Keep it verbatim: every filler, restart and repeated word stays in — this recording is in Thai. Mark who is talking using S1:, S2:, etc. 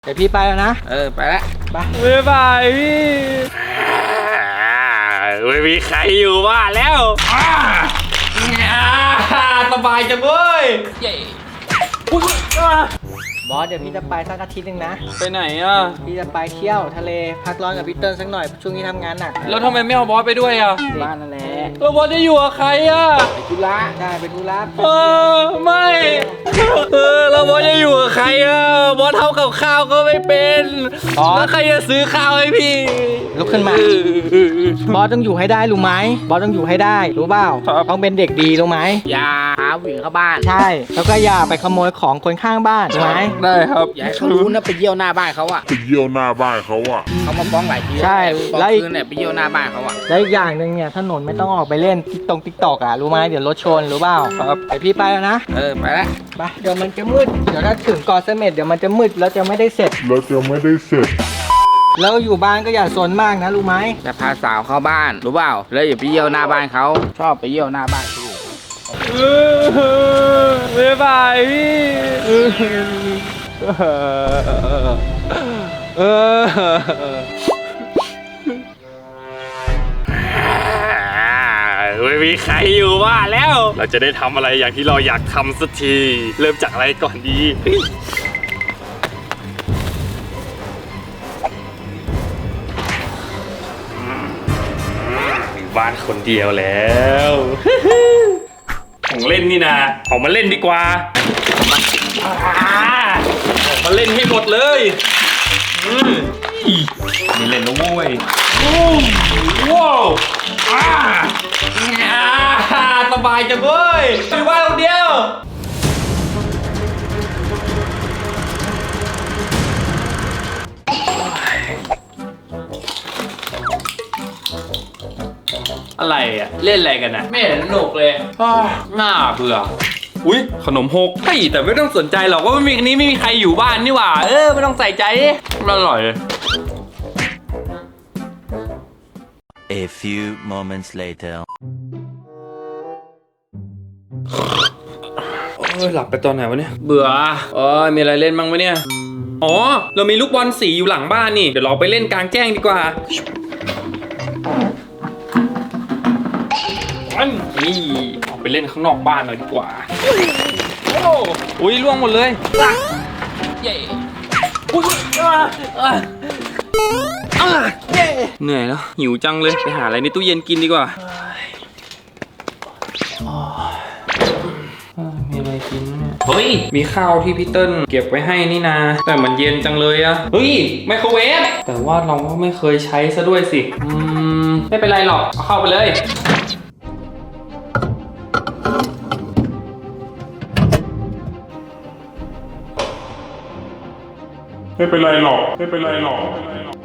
S1: เดี๋ยวพี่ไปแล้วนะ
S2: เออไปแล้ว
S1: ไปบ๊ายบายพี่
S2: ไม่มีใครอยู่บ้านแล้วสบายจังเว้ย
S1: บอสเดี๋ยวพี่จะไปสักอาทิตย์หนึ่งนะ
S2: ไปไหนอ่ะ
S1: พี่จะไปเที่ยวทะเลพักร้อนกับพี่เติ้ลสักหน่อยช่วงนี้ทำงานหนัก
S2: แล้วทำไมไม่เอาบอสไปด้วยอ่ะ
S1: บ้านนั่นแหละ
S2: แล้วบอสจะอยู่กับใครอ่ะ
S1: ไปธุระได้ไปธุระ
S2: เออไม่เออแล้วบอสจะอยู่กับใครอ่ะบอสทำกับข้าวก็ไม่เป็นแล้วใครจะซื้อข้าวให้พี่
S1: ลุกขึ้นมาบอสต้องอยู่ให้ได้รู้ไหมบอสต้องอยู่ให้ได้รู้เปล่าต้องเป็นเด็กดีรู้ไหม
S2: อย่าหาผู้หญิงเข้าบ้าน
S1: ใช่แล้วก็อย่าไปขโมยของคนข้างบ้านรู้ไหม
S2: ได้ครับอย่าให้เขารู้นะไปเยี่ยวหน้าบ้านเขาอะ
S3: ไปเยี่ยวหน้าบ้านเขาอะ
S2: เขามาฟ้องหลายที
S1: ใช่
S2: แล้วอีกเนี่ยไปเยี่ยวหน้าบ้านเขาอะ
S1: แล้วอีกอย่างหนึ่งเนี่ยถนนไม่ต้องออกไปเล่นติ๊กตงติ๊กตอกอะรู้ไหมเดี๋ยวรถชนรู้เปล่า
S2: ครับ
S1: ไปพี่ไปแล้วนะ
S2: เออไปแล้ว
S1: ไปเดี๋ยวมันจะมืดเดี๋ยวถ้าถึงเกาะเสม็ดเดี๋ยวมันจะมืดแล้วจะไม่ได้เสร็จ
S3: แล้วจะไม่ได้เสร็จ
S1: แล้วอยู่บ้านก็อย่าซนมากนะรู้ไหม
S2: จะพาสาวเข้าบ้านรู้เปล่าแล้วอย่าไปเยี่ยวหน้าบ้านเขาชอบไปเยี่ยวหน้าบ้านเขา
S1: บ๊ายบายพี่
S3: ไม่มีใครอยู่บ้านแล้วเราจะได้ทำอะไรอย่างที่เราอยากทำสักทีเริ่มจากอะไรก่อนดีบ้านคนเดียวแล้วของเล่นนี่นะออกมาเล่นดีกว่าออกมาเล่นให้หมดเลยนี่เล่นนะเว้ยว้าว
S2: สบายจังเว้ยอยู่บ้านคนเดียวอะไรอ่ะเล่นอะไรกันนะไม่เห็นสนุกเลยน่าเบื่ออุ้ยขนมหกเฮ้ยแต่ไม่ต้องสนใจหรอกว่าไม่มีนี้ไม่มีใครอยู่บ้านนี่หว่าเออไม่ต้องใส่ใจอร่อยเลย
S4: A few moments later
S2: เออหลับไปตอนไหนวะเนี่ยเบื่อเออมีอะไรเล่นบ้างวะเนี่ยอ๋อเรามีลูกบอลสีอยู่หลังบ้านนี่เดี๋ยวเราไปเล่นกลางแจ้งดีกว่านี่ออกไปเล่นข้างนอกบ้านหน่อยดีกว่าโอ้อุ้ยล่วงหมดเลยเย้เหนื่อยแล้วหิวจังเลยไปหาอะไรในตู้เย็นกินดีกว่ามีอะไรกินเนี่ยเฮ้ยมีข้าวที่พี่เติ้ลเก็บไว้ให้นี่นาแต่มันเย็นจังเลยอะเฮ้ยไมโครเวฟแต่ว่าเราก็ไม่เคยใช้ซะด้วยสิอืมไม่เป็นไรหรอกเอาเข้าไปเลย
S3: ไม่เป็นไรหรอกไม่เป็นไรหรอก